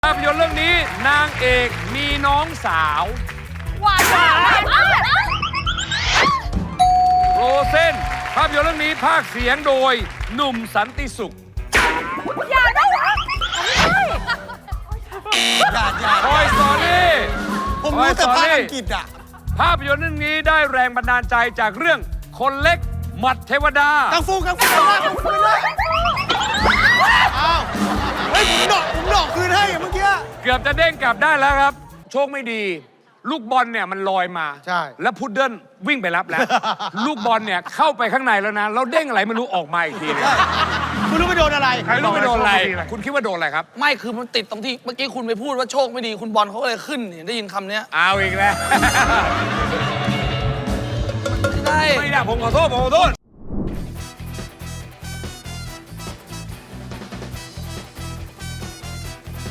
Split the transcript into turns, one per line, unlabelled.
ภาพยนตร์เรื่องนี้นางเอกมีน้องสาว
หวาน
โรเซนภาพยนตร์เรื่องนี้พากย์เสียงโดยหนุ่มสันติสุข
อย่าได้หรอ
คอยสอรี่
ผมรู้แต่ภาษาอังกฤษอ่ะ
ภาพยนตร์เรื่องนี้ได้แรงบันดาลใจจากเรื่องคนเล็กหมัดเทวดา
กังฟูเลยอ้าวเฮ้ยผมดอกคืนให้เมื่อกี้
เกือบจะเด้งกลับได้แล้วครับ โชคไม่ดี ลูกบอลเนี่ยมันลอยมา
ใช่
แล้วพุดเดิ้ลวิ่งไปรับแล้ว ลูกบอลเนี่ยเข้าไปข้างในแล้วนะแล้วเด้งอะไรไม่รู้ออกมาอีกทีนึง
คุณรู้ไปโดนอะไร
ใครรู้ไปโดนอะไร คุณคิดว่าโดนอะไรครับ
ไม่คือมันติดตรงที่เมื่อกี้คุณไปพูดว่าโชคไม่ดีคุณบอลเขาก็เลยขึ้นเห็นได้ยินคำเนี้ย
เอาอีกแล้ว
ไม่ได้
ไม่ได้ผมขอโทษ